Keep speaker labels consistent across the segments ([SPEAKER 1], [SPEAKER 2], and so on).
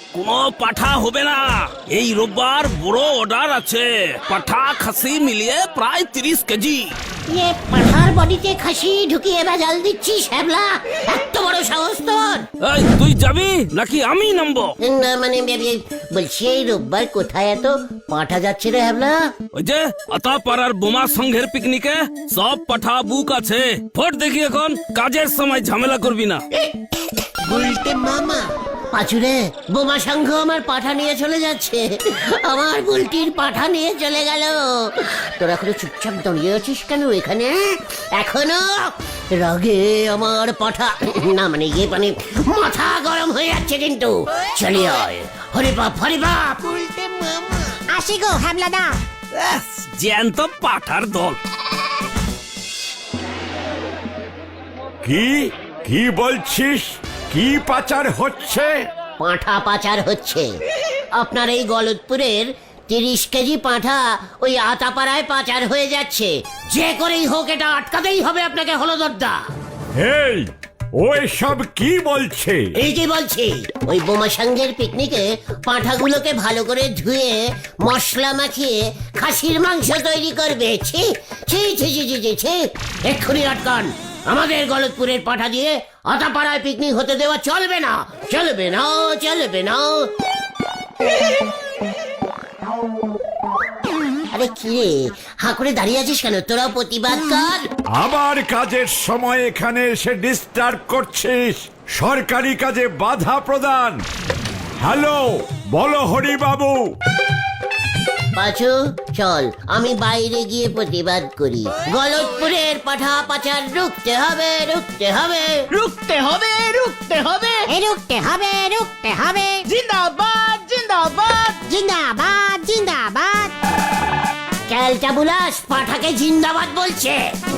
[SPEAKER 1] কোনো পাঠা হবে না। এই রোববার বড় অর্ডার আছে, পাঠা খাসি মিলিয়ে প্রায় 30 কেজি।
[SPEAKER 2] পাঠার বডিতে খাসি ঢুকিয়ে ভেজাল দিচ্ছিস হ্যাবলা? এত বড় সাহস তোর?
[SPEAKER 1] এই তুই যাবি নাকি আমি নামবো?
[SPEAKER 2] না মানে বলছি এই রোববার কোথায় এত পাঠা যাচ্ছে রে হ্যাবলা?
[SPEAKER 1] ওই যে আতাপাড়ার বোমা সংঘের পিকনিকে সব পাঠা বুক আছে। ফোট দেখি এখন, কাজের সময় ঝামেলা করবি না।
[SPEAKER 2] উল্টে মামা পাচুরে, বোমা সংঘ আমার পাঠা নিয়ে চলে যাচ্ছে, আমার বুলটির পাঠা নিয়ে চলে গেল। তোরা এখনো চুপচাপ দাঁড়িয়ে আছিস কেন এখানে? এখনো রাগে আমার পাঠা না মানে মাথা গরম হয়ে যাচ্ছে কিন্তু। চলে আয়, হরি বাপ হরি বাপ। উল্টে মামা আসি গো হ্যাবলাদা।
[SPEAKER 1] জ্যান্ত পাঠার দল।
[SPEAKER 3] কি কি বলছিস? কি পাচার হচ্ছে?
[SPEAKER 2] পাঁঠা পাচার হচ্ছে। আপনার এই গলতপুরের 30 কেজি পাঁঠা ওই আতাপাড়ায় পাচার হয়ে যাচ্ছে। যে করেই হোক এটা আটকাতেই হবে আপনাকে হলদরদা।
[SPEAKER 3] এই ওই সব কি বলছে?
[SPEAKER 2] এই যে বলছি, ওই বোমা সংঘের পিকনিকে পাঁঠাগুলোকে ভালো করে ধুয়ে মশলা মাখিয়ে খাসির মাংস তৈরি করবে। ছি ছি ছি ছি ছি ছি ছি, এক্ষুনি আটকান। আমাদের গলতপুরের পাঠা দিয়ে আতাপাড়ায় পিকনিক হতে দেওয়া চলবে না, চলবে না, চলবে না। আরে কি রে, হাঁ করে দাঁড়িয়ে আছিস কেন? তোরা প্রতিবাদ কর।
[SPEAKER 3] আবার কাজের সময় এখানে এসে ডিস্টার্ব করছিস, সরকারি কাজে বাধা প্রদান। হ্যালো, বলো হরি বাবু।
[SPEAKER 2] পাঁচু চল, আমি বাইরে গিয়ে প্রতিবাদ করি। গলতপুরের পাঠা পাচার রুখতে হবে, রুখতে হবে,
[SPEAKER 4] রুখতে হবে, রুখতে হবে,
[SPEAKER 2] রুখতে হবে, রুখতে হবে।
[SPEAKER 4] জিন্দাবাদ, জিন্দাবাদ,
[SPEAKER 2] জিন্দাবাদ, জিন্দাবাদ। ক্যালটা বুলাস পাঠাকে জিন্দাবাদ বলছে।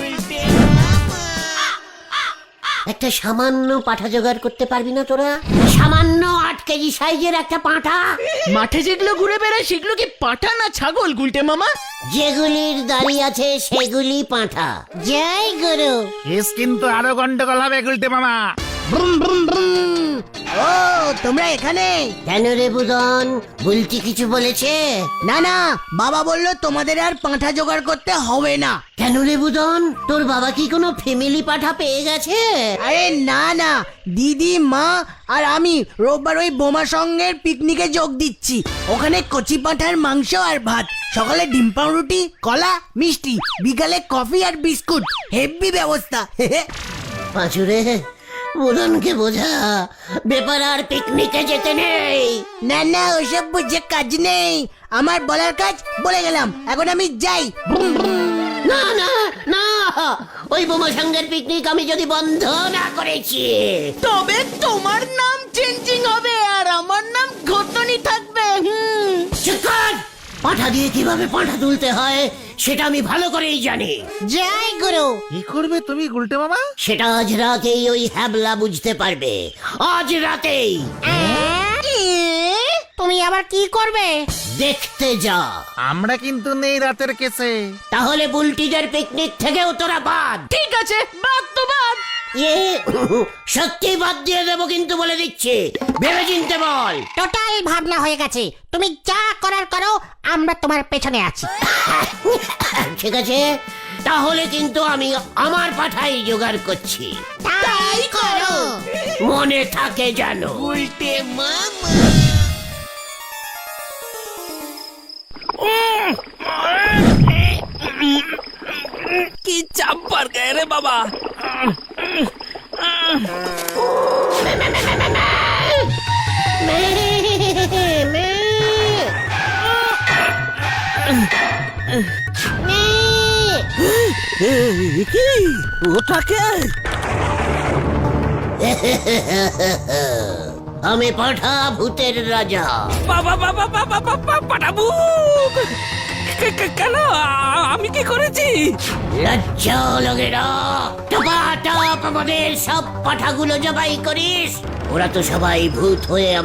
[SPEAKER 2] একটা সামান্য পাঠা জোগাড় করতে পারবি না তোরা? সামান্য 8 কেজি সাইজের একটা পাঁঠা।
[SPEAKER 4] মাঠে যেগুলো ঘুরে বেড়ায় সেগুলো কি পাঠা না ছাগল গুলটে মামা?
[SPEAKER 2] যেগুলির দাড়ি আছে সেগুলি পাঁঠা। জয় গুরু।
[SPEAKER 5] কেস কিন্তু আরো গন্ডগোল হবে গুলটে মামা।
[SPEAKER 2] ব্রুম ব্রুম ব্রুম।
[SPEAKER 4] ও তোমরা এখানে?
[SPEAKER 2] কেন রে বুদন, বুলটি কিছু বলেছে?
[SPEAKER 4] না না, বাবা বললো তোমাদের আর পাঁঠা জোগাড় করতে হবে না।
[SPEAKER 2] কেন রে বুদন, তোর বাবা কি কোনো ফ্যামিলি পাঠা পেয়ে গেছে?
[SPEAKER 4] আরে না না, দিদি মা আর আমি রোববার ওই বোমা সঙ্গের পিকনিকে যোগ দিচ্ছি। ওখানে কচি পাঁঠার মাংস আর ভাত, সকালে ডিম পাউরুটি, কলা, মিষ্টি, বিকালে কফি আর বিস্কুট। হেভি ব্যবস্থা।
[SPEAKER 2] পাঁচুরে, বুদনকে বোঝা ব্যাপার আর পিকনিকে যেতে নেই।
[SPEAKER 4] না না, ওসব বুঝে কাজ নেই। আমার বলার কাজ বলে গেলাম, এখন আমি যাই।
[SPEAKER 2] না না না, ওই বোমা সঙ্গের পিকনিক আমি যদি বন্ধ না করেছি
[SPEAKER 4] তবে তোমার নাম চেঞ্জিং হবে আর আমার নাম ঘটনি থাকবে।
[SPEAKER 2] চুপ কর। পাঠা দিয়ে কিভাবে পাঠা তুলতে হয় সেটা আমি ভালো করেই জানি। জয় গুরু।
[SPEAKER 5] কি করবে তুমি গুলটে মামা?
[SPEAKER 2] সেটা আজ রাতেই ওই হ্যাবলা বুঝতে পারবে, আজ রাতেই। তুমি আবার কি করবে? দেখতে যা।
[SPEAKER 5] আমরা কিন্তু নেই রাতের কেসে।
[SPEAKER 2] তাহলে বুলটিদের পিকনিক থেকেও তোরা বাদ।
[SPEAKER 4] ঠিক আছে, বাদ তো বাদ।
[SPEAKER 2] সত্যি বাদ দিয়ে দেবো কিন্তু বলে দিচ্ছি, ভেবে চিনতে বল।
[SPEAKER 6] টোটাল ভাবনা হয়ে গেছে, তুমি যা করার করো, আমরা তোমার পেছনে আছি।
[SPEAKER 2] ঠিক আছে, তাহলে কিন্তু আমি আমার পাঠাই জোগাড় করছি।
[SPEAKER 6] তাই করো।
[SPEAKER 2] মনে থাকে জানো।
[SPEAKER 1] কি চাপ পার গায়ে রে বাবা। কি ওটাকে?
[SPEAKER 2] আমি পাঠা ভূতের রাজা।
[SPEAKER 1] বাবা বাবা বাবা বাবা পাঠাবু। কেন আমি কি করেছি?
[SPEAKER 2] লজ্জা লাগে না? টপাটপ আমাদের সব পাঠাগুলো জবাই করিস। ওরা তো সবাই ভূত হয়ে